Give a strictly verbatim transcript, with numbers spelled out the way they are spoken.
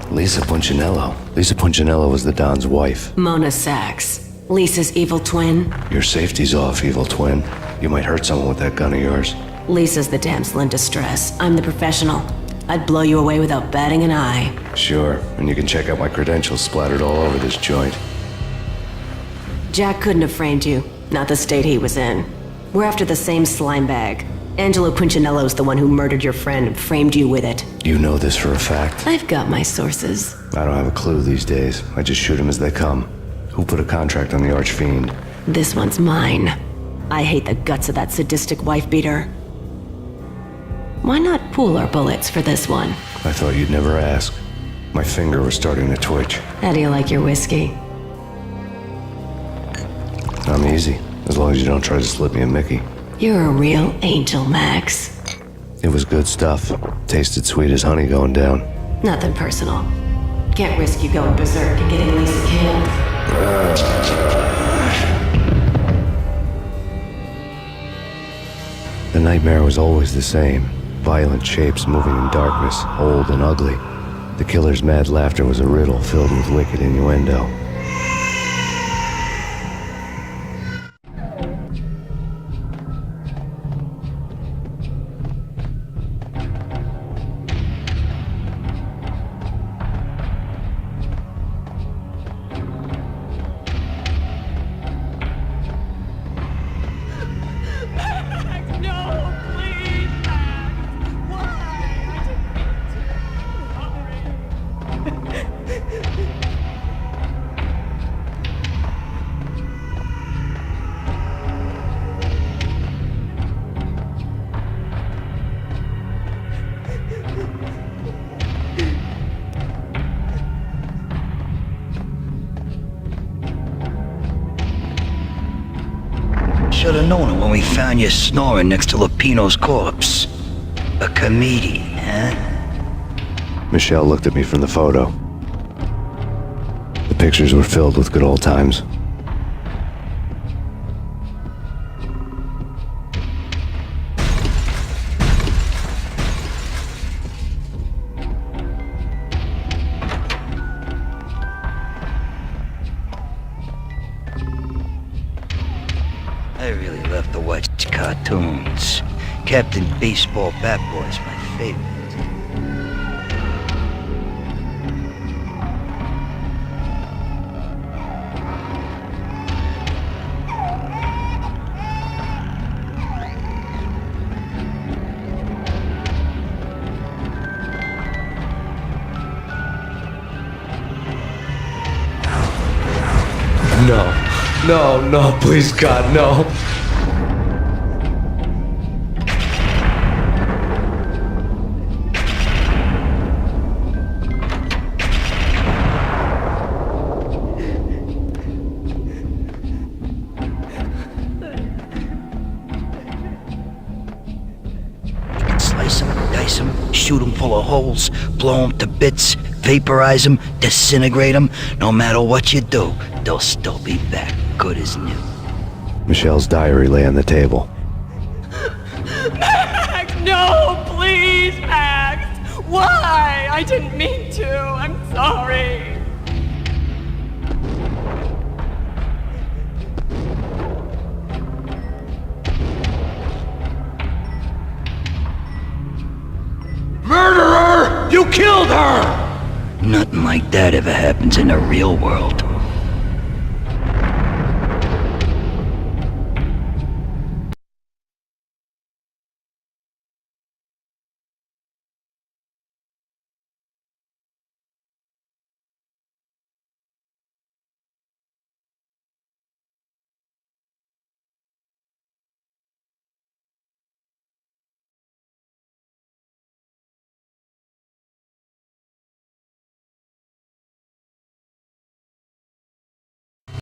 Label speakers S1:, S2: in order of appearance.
S1: Lisa Punchinello. Lisa Punchinello was the Don's wife.
S2: Mona Sachs. Lisa's evil twin.
S1: Your safety's off, evil twin. You might hurt someone with that gun of yours.
S2: Lisa's the damsel in distress. I'm the professional. I'd blow you away without batting an eye.
S1: Sure, and you can check out my credentials splattered all over this joint.
S2: Jack couldn't have framed you. Not the state he was in. We're after the same slime bag. Angelo Punchinello's the one who murdered your friend and framed you with it.
S1: You know this for a fact.
S2: I've got my sources.
S1: I don't have a clue these days. I just shoot them as they come. Who put a contract on the Archfiend?
S2: This one's mine. I hate the guts of that sadistic wife-beater. Why not pool our bullets for this one?
S1: I thought you'd never ask. My finger was starting to twitch.
S2: How do you like your whiskey?
S1: I'm easy, as long as you don't try to slip me a Mickey.
S2: You're a real angel, Max.
S1: It was good stuff. Tasted sweet as honey going down.
S2: Nothing personal. Can't risk you going berserk and getting Lisa killed.
S1: The nightmare was always the same. Violent shapes moving in darkness, old and ugly. The killer's mad laughter was a riddle filled with wicked innuendo.
S3: Should've known it when we found you snoring next to Lupino's corpse. A comedian, huh?
S1: Michelle looked at me from the photo. The pictures were filled with good old times.
S3: I really love to watch cartoons. Captain Baseball Bat Boy's my favorite.
S4: No. No, no, please God, no.
S3: Slice them, dice them, shoot them full of holes, blow them to bits, vaporize them, disintegrate them. No matter what you do, they'll still be back, good as new.
S1: Michelle's diary lay on the table.
S5: Max, no, please, Max. Why? I didn't mean to. I'm sorry.
S4: Murderer! You killed her!
S3: Nothing like that ever happens in the real world.